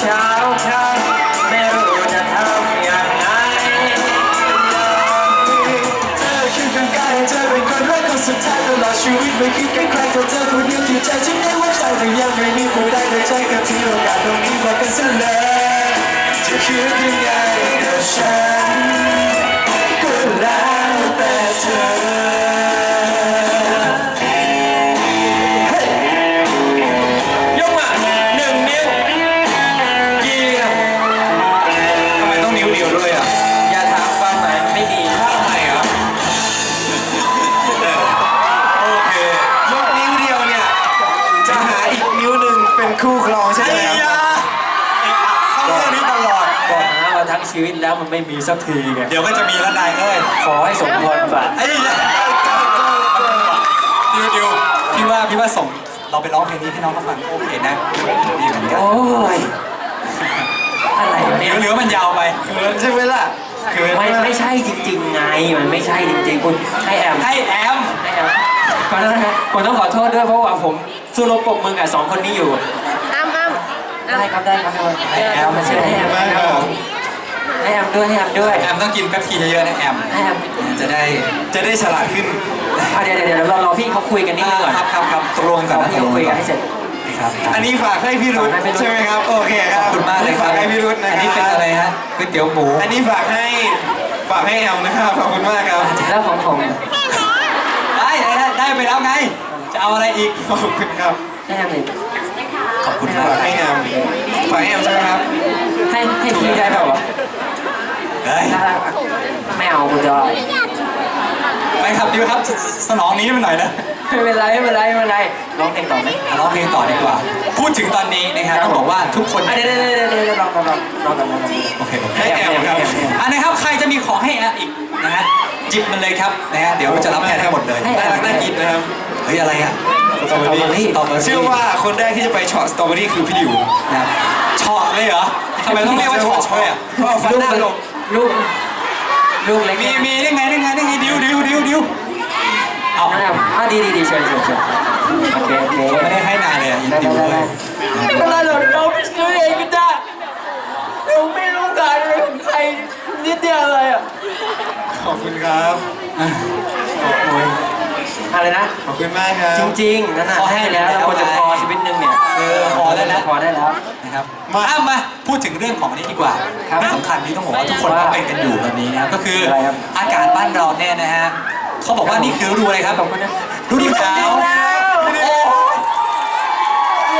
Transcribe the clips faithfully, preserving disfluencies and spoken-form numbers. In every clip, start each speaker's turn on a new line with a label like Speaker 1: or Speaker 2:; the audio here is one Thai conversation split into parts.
Speaker 1: เช้าค่ำไม่รู้จะทำอย่างไร
Speaker 2: เธอคือคนกายเธอเป็นคนรักคนสุดท้ายตลอดชีวิตไม่คิดแค่ใครก็เธอคนเดียวที่ใจฉันได้ว่าใจแต่ยังไม่มีผู้ใดได้ใจกับที่โอกาสตรงนี้บอกกันซะเลยจะคิดยังไงกับฉันก็แล้วแต่เธอย
Speaker 1: กมาหนึ่งนิ้วเยี่ยม
Speaker 2: ทำไมต้องนิ้วเดียวด้วยอ่ะ
Speaker 1: อย่าถามความหมายไม่ดี
Speaker 2: ทำไมอ่ะโอเคยกนิ้วเดียวเนี่ยจะหาอีกนิ้วหนึ่งเป็นคู่ครองใช่ไหมครับเข้าเรื่องนี้ตลอด
Speaker 1: ก็หามาทั้งชีวิตแล้วมันไม่มีสักทีไง
Speaker 2: เดี๋ยวก็จะมีแล้วนายเอ้ย
Speaker 1: ขอให้สมพรปรารถนา
Speaker 2: ไอ้เนี่ยดิวดิวพี่ว่าพี่ว่าส่งเราไปร้องเพลงนี้ให้น้องเขาฟังโอเคนะดีเหมือนกัน
Speaker 1: โอ้ยอะไรวะ
Speaker 2: เห
Speaker 1: เนี่ย
Speaker 2: ลือมันยาวไปเขินใช่ไหมล่ะเขิน
Speaker 1: ไม่ไม่ใช่จริงๆไงมันไม่ใช่จริงๆคุณให้แอม
Speaker 2: ให้แอม
Speaker 1: ให้แอมขอโทษนะครับผมต้องขอโทษด้วยเพราะว่าผมสู้รบปรบมือกับสองคนนี้อยู่
Speaker 3: อ้ำอ้ำ
Speaker 1: ได้ครับได้ครับได้
Speaker 2: ให้แอม
Speaker 1: มาเชิญให้แอมนะครับผมให้แอมด้วยให้แอมด้วย
Speaker 2: แอมต้องกินแป๊บทีเยอะๆนะแอม
Speaker 1: ให้แอม
Speaker 2: จะได้จะได้ฉลาดขึ้น
Speaker 1: อ่ะเดี๋ยวเดี๋ยวเดี๋ยวเรารอพี่เขาคุยกันนิดนึงก่อน
Speaker 2: ครับครับครับตกลงก่อน
Speaker 1: รอ
Speaker 2: นะ
Speaker 1: พี่เขาคุยกันให้เสร็จ
Speaker 2: ครับ
Speaker 4: อันนี้ฝากให้พี่รุธ
Speaker 1: ฝากให้พี่รุธ
Speaker 4: ใช่ไหมครับ โอเคค
Speaker 2: ข
Speaker 4: รั
Speaker 2: อ
Speaker 4: บบ
Speaker 2: คุณมากเลยครับ
Speaker 4: ฝากให้พี่รุธนะ
Speaker 2: อัน
Speaker 4: ค
Speaker 2: นี้
Speaker 4: รับ
Speaker 2: เป็นอะไรฮะก๋วยเตี๋ยวหมู
Speaker 4: อันนี้ฝากให้ฝากให้แอลนะครับขอบคุณมากครับ
Speaker 1: แล้วของผม
Speaker 2: ได้ได้ได้ไปแล้วไง จะเอาอะไรอีก
Speaker 4: ขอบคุณครับ
Speaker 1: ให้แอมเลย
Speaker 2: ขอบคุณมาก
Speaker 4: ฝากให้แอมฝากให้แอมใช่ไหมครับ
Speaker 1: ให้ให้พี่ได้เปล่าวะ
Speaker 2: เฮ้ย
Speaker 1: ได้ได้ไม่เอาคุณจอย
Speaker 2: ไปครับดิวครับสนองนี้มันหน่อยนะ
Speaker 1: ไม่เป็นไรไม่เป็นไรไม่เป็นไรร้องเพลงต่อไหม
Speaker 2: อ่ะร้องเพลงต่อดีกว่า พูดถึงตอนนี้นะครับต้องบอกว่าทุกคน
Speaker 1: อ่ะเดี๋ยวเดี๋ยวเดี๋ยวเดี๋ยวเดี๋ยวลองลองลองลองกันลองกัน
Speaker 2: โอเคโอเค
Speaker 4: ให้แอมครับ
Speaker 2: อันนะครับใครจะมีของให้แอมอีกนะฮะจิบมันเลยครับนะฮะเดี๋ยวจะรับแทนให้หมดเลย
Speaker 4: น่ารักน่ากินนะครับ
Speaker 2: เฮ้ยอะไรอ่ะ
Speaker 1: สตรอเบอรี่
Speaker 2: สตรอเบอรี่
Speaker 4: เชื่อว่าคนแรกที่จะไปช็อตสตรอเบอรี่คือพี่ดิว
Speaker 2: นะครับเฉาะเลยเหรอทำไมต้องเรียกว่าเฉาะด้วยอ่ะ
Speaker 4: เพราะเอาฟันหน้าลง
Speaker 1: ลูกลูกเล็ก
Speaker 2: มีมีได้ไงได้ไงได้ไงดิวดิวดิวดิวเอา
Speaker 1: เอาอ่ะอ่ะดีดีดีเชิญเชิญเชิญโอเคโอเค
Speaker 2: ไม่ได้ให้นายเลยอ่ะยิน
Speaker 1: ได้
Speaker 2: ดิ
Speaker 1: ได้
Speaker 2: ว
Speaker 1: ได้
Speaker 2: เลย
Speaker 1: ไม่เป็นไรหรอกเราไปซื้อเองก็ได้เราไม่รู้การเลยของใครนิดเดียวเลยอ่ะ
Speaker 4: ขอบคุณครับ
Speaker 1: โอ้ยอะไรนะ
Speaker 4: ขอบคุณมากครับ
Speaker 1: จริงๆนั่นน่ะให้แล้วแล้วควรจะพอชีวิตหนึงเนี่ย
Speaker 2: เออพอได้แล้ว
Speaker 1: พอได้แล้ว
Speaker 2: นะครับมาอ้ามาพูดถึงเรื่องของนี้ดีกว่า
Speaker 1: ครับ
Speaker 2: ที่สำคัญที่ต้องบอกว่าทุกคนก็เป็นกันอยู่ตอนนี้นะครับก็คืออะไร
Speaker 1: ครับ
Speaker 2: อากาศบ้านเราเนี่ยนะฮะเขาบอกว่านี่คือฤดูอะไรครับ
Speaker 1: ขอบคุณนะ
Speaker 2: ฤดูหนาว
Speaker 1: เย้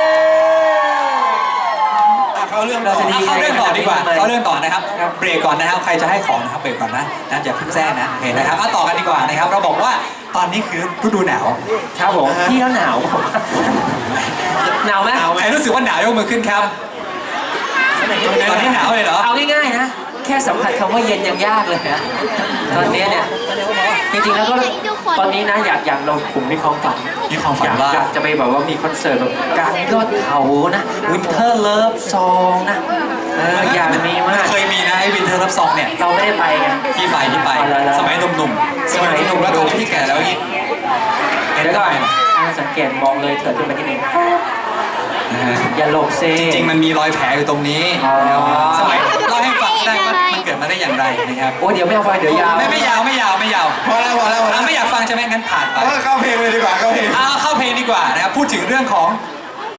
Speaker 4: เขาเรื่อง
Speaker 1: เราจะดี
Speaker 2: เข้าเรื่องต่อดีกว่าเข้าเรื่องต่อนะครับ
Speaker 1: ครับ
Speaker 2: เบรกก่อนนะครับใครจะให้ของนะครับเบรกก่อนนะนะอย่าเพิ่งแจ้งนะโอเคนะครับเอาต่อกันดีกว่านะครับเราบอกว่าตอนนี้คือฤดูหนาว
Speaker 1: ครับผมพี่แล้วหนาวหนาวไหม
Speaker 2: ใครรู้สึกว่าหนาวยกมือขึ้นครับตอนนี้หนาวเลยเหรอ
Speaker 1: เอาง่ายๆนะแค่สัมผัสคำว่าเย็นยังยากเลยนะตอนนี้เนี่ยจริงๆแล้วก็ตอนนี้นะอยากอยากเราผมมีความฝัน
Speaker 2: มีความฝั
Speaker 1: อน ยาก
Speaker 2: ว่า
Speaker 1: อยากจะไปแบบว่ามีคอนเสิร์ตแบบกลางยอดเขานะวินเทอร์เลิฟซองนะเอออยากมีมาก
Speaker 2: เคยมีนะไอ้วินเทอร์รับซองเนี่ย
Speaker 1: เราไม่ได้ไปไง
Speaker 2: ที่ไปที่ไป
Speaker 1: เอาละละ
Speaker 2: สมัยหนุ่มๆ
Speaker 1: สมัยหนุ่ม
Speaker 2: แล้วตอนนี้ที่แก่แล้วยิ่ง
Speaker 1: เดี๋ยวก่อนอ่าสังเกตมองเลยเถิดขึ้นไปที่หนึ่ง
Speaker 2: นะฮะ
Speaker 1: อย่าหลบเซ
Speaker 2: จริงๆมันมีรอยแผลอยู่ตรงนี้
Speaker 1: อ๋อ
Speaker 2: สมัยเล่าให้ฟังได้ว่ามันเกิดมาได้อย่างไรนะครับ
Speaker 1: โอ้เดี๋ยวไม่เอาไฟเดี๋ยวยาว
Speaker 2: ไม่ไม่ยาวไม่ยาวไม่ยาว
Speaker 4: พอแล้วพอแล้วพอแล้
Speaker 2: อ่ะ
Speaker 4: ว
Speaker 2: ไม่อยากฟังใช่ไหมงั้นผ่านไป
Speaker 4: เอาเข้าเพลงเลยดีกว่าเข้าเพลง
Speaker 2: เอาเข้าเพลงดีกว่านะครับพูดถึงเรื่องของ